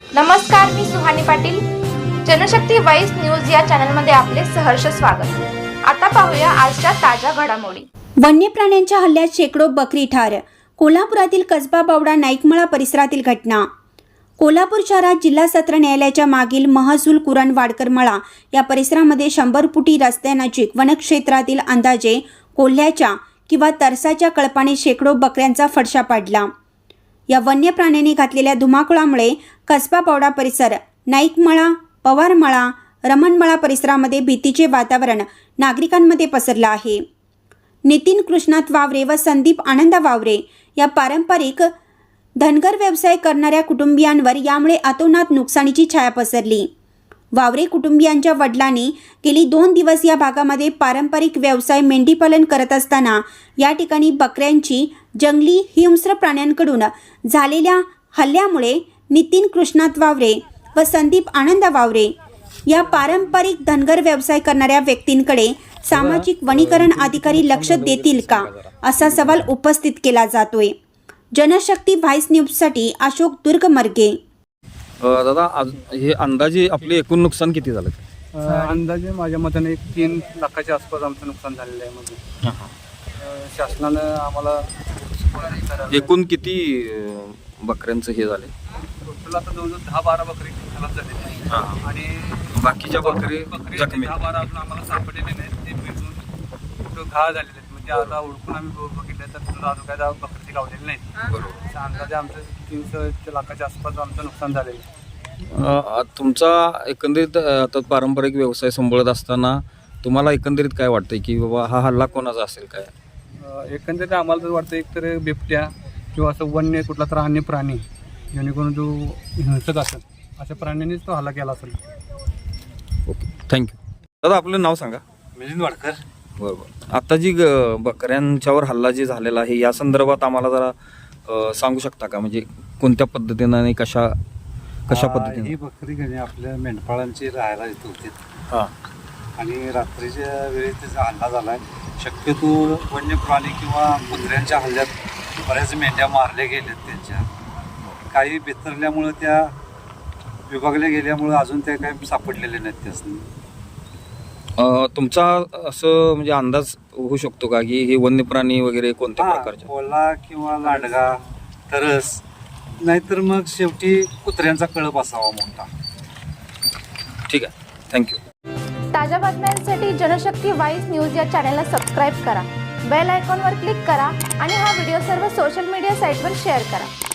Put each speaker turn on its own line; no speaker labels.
नमस्कार, मी Suhani Patil. Janshakti voice news या चॅनलमध्ये आपले सहर्ष स्वागत. आता पाहूया आजच्या ताज्या घडामोडी.
वन्य प्राण्यांच्या हल्ल्यात शेकडो बकरी ठार. कोल्हापुरातील कसबा बावडा नाईकमळा परिसरातील घटना. कोल्हापूर शहरात जिल्हा सत्र न्यायालयाच्या मागील महसूल कुरण वाडकर मळा या परिसरामध्ये 100 फुटी रस्त्यानजीक वनक्षेत्रातील अंदाजे कोल्ह्याच्या किंवा तरसाच्या कळपाने शेकडो बकऱ्यांचा फडशा पडला. या वन्य प्राण्यांनी घातलेल्या धुमाकूळामुळे कसबा बावडा परिसर, नाईकमळा, पवारमळा, रमणमळा परिसरामध्ये भीतीचे वातावरण नागरिकांमध्ये पसरलं आहे. नितीन कृष्णात वावरे व संदीप आनंद वावरे या पारंपरिक धनगर व्यवसाय करणाऱ्या कुटुंबियांवर यामुळे अतोनात नुकसानीची छाया पसरली. वावरे कुटुंबियांच्या वडिलांनी गेली 2 दिवस या भागामध्ये पारंपरिक व्यवसाय मेंढीपालन करत असताना या ठिकाणी बकऱ्यांची जंगली हिंस्र प्राण्यांकडून झालेल्या हल्ल्यामुळे नितीन कृष्णात वावरे व संदीप आनंद वावरे या पारंपरिक धनगर व्यवसाय करणाऱ्या व्यक्तींकडे सामाजिक वनीकरण अधिकारी लक्ष देतील का, असा सवाल उपस्थित केला जातोय. जनशक्ती व्हॉइस न्यूजसाठी अशोक दुर्गमर्गे.
दादा, हे अंदाजे आपले एकूण नुकसान किती झालं?
अंदाजे माझ्या मताने 3 लाखाच्या आसपास आमचं नुकसान झालेलं आहे. मध्ये शासनानं आम्हाला
एकूण किती बकऱ्यांचं हे झाले?
टोटल आता जवळजवळ 10-12 बकरी खराब झालेली आहे आणि
बाकीच्या बकरी जखमी
10-12 अजून आम्हाला सापडलेले नाहीत. ते मिळून कुठं घाळ झालेले आहेत. म्हणजे आता ओळखून आम्ही बघितलं तर तुला अजून काय बकरी गावलेली नाही. बरोबर. अंदाजे आमचं 300 लाखाच्या आसपास आमचं नुकसान झालेलं आहे.
तुमचा एकंदरीत आता पारंपरिक व्यवसाय सांभाळत असताना तुम्हाला एकंदरीत काय वाटतंय की बाबा हा हल्ला कोणाचा असेल काय?
एकंदरीत आम्हाला तर वाटतं एकतर बिबट्या किंवा असं वन्य कुठला तर अन्य प्राणी जेणेकरून जो हिंसक असेल अशा प्राण्यांनीच तो हल्ला केला असेल.
Okay, thank you. दादा, आपलं नाव सांगा.
मिलिंद वाडकर.
बरोबर. आता जी बकऱ्यांच्यावर हल्ला जे झालेला आहे या संदर्भात आम्हाला जरा सांगू शकता का? म्हणजे कोणत्या पद्धतीनं आणि कशा पद्धतीने?
ही बकरी घेणे आपल्या मेंढपाळांची राहायला येत होती.
हां.
आणि रात्रीच्या वेळी त्याचा हल्ला झाला आहे. शक्यतो वन्य प्राणी किंवा कुत्र्यांच्या हल्ल्यात बऱ्याच मेंढ्या मारल्या गेल्यात. त्यांच्या काही बिथरल्यामुळं त्या विभागल्या गेल्यामुळं अजून त्या काही सापडलेल्या नाहीत. त्यासनी
तुमचा असं म्हणजे अंदाज होऊ शकतो का की हे वन्य प्राणी वगैरे कोणत्या प्रकारचे?
कोल्हा किंवा लांडगा, तरस, नाहीतर मग शेवटी कुत्र्यांचा कळप असावा मोठा.
ठीक आहे, थँक्यू.
ताज्या बातम्यांसाठी जनशक्ती वॉइस न्यूज या चॅनलला सबस्क्राईब करा, बेल आयकॉनवर क्लिक करा आणि हा व्हिडिओ सर्व सोशल मीडिया साईटवर शेअर करा.